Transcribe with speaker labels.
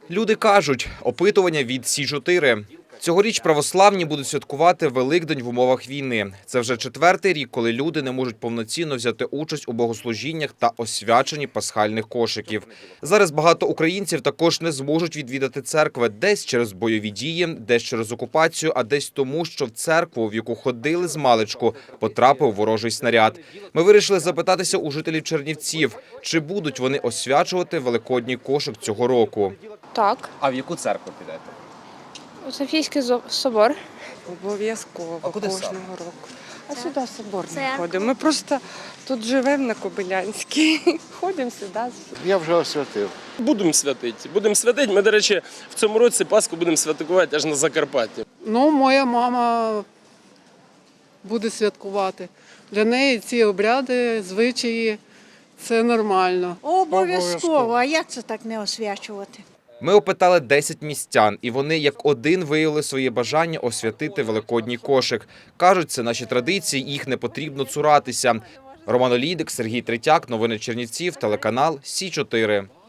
Speaker 1: Люди кажуть, опитування від Сі-4. Цьогоріч православні будуть святкувати Великдень в умовах війни. Це вже 4-й рік, коли люди не можуть повноцінно взяти участь у богослужіннях та освяченні пасхальних кошиків. Зараз багато українців також не зможуть відвідати церкви десь через бойові дії, десь через окупацію, а десь тому, що в церкву, в яку ходили змалечку, потрапив ворожий снаряд. Ми вирішили запитатися у жителів Чернівців, чи будуть вони освячувати Великодній кошик цього року.
Speaker 2: Так,
Speaker 1: А в яку церкву підете?
Speaker 2: у Софійський собор.
Speaker 3: Обов'язково
Speaker 1: А куди
Speaker 3: кожного
Speaker 1: саме?
Speaker 3: року. А сюди собор не
Speaker 2: Церква.
Speaker 3: ходимо. Ми просто тут живемо на Кобилянській. Ходимо сюди.
Speaker 4: Я вже освятив.
Speaker 5: Будемо святити. Будемо святити. Ми, до речі, в цьому році Пасху будемо святкувати аж на Закарпатті.
Speaker 6: Ну, моя мама буде святкувати. Для неї ці обряди, звичаї – це нормально.
Speaker 7: Обов'язково. А як це так не освячувати?
Speaker 1: Ми опитали 10 містян, і вони як один виявили своє бажання освятити Великодній кошик. Кажуть, це наші традиції, їх не потрібно цуратися. Роман Олійник, Сергій Третяк, новини Чернівців, телеканал Сі-4.